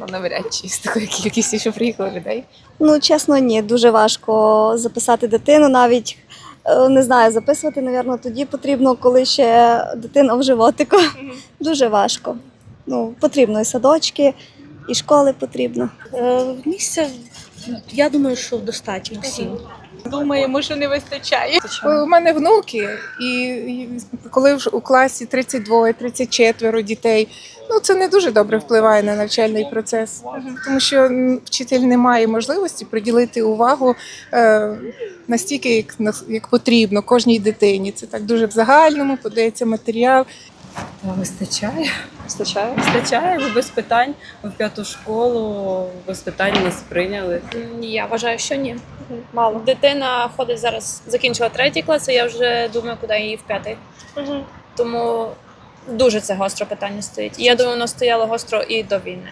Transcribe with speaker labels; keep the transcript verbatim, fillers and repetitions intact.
Speaker 1: ну навряд чи з такою кількістю, що приїхало людей.
Speaker 2: Ну, чесно, ні, дуже важко записати дитину навіть. е, Не знаю, записувати, напевно, тоді потрібно, коли ще дитина в животику. Дуже важко. Ну, потрібно і садочки, і школи потрібно.
Speaker 3: Е, Місця, я думаю, що достатньо всім.
Speaker 1: Думаємо, що не вистачає. У мене внуки, і і коли вже у класі тридцять два тридцять чотири дітей, ну це не дуже добре впливає на навчальний процес, тому що м, вчитель не має можливості приділити увагу е, настільки, як, нас- як потрібно кожній дитині. Це так дуже в загальному, подається матеріал.
Speaker 4: Та вистачає.
Speaker 5: Вистачає?
Speaker 4: Вистачає, бо без питань. Ми в п'яту школу без питань нас прийняли.
Speaker 6: Ні, я вважаю, що ні.
Speaker 5: Мало.
Speaker 6: Дитина ходить зараз, закінчила третій клас, а я вже думаю, куди її в п'ятий. Тому дуже це гостро питання стоїть. І я думаю, воно стояло гостро і до війни.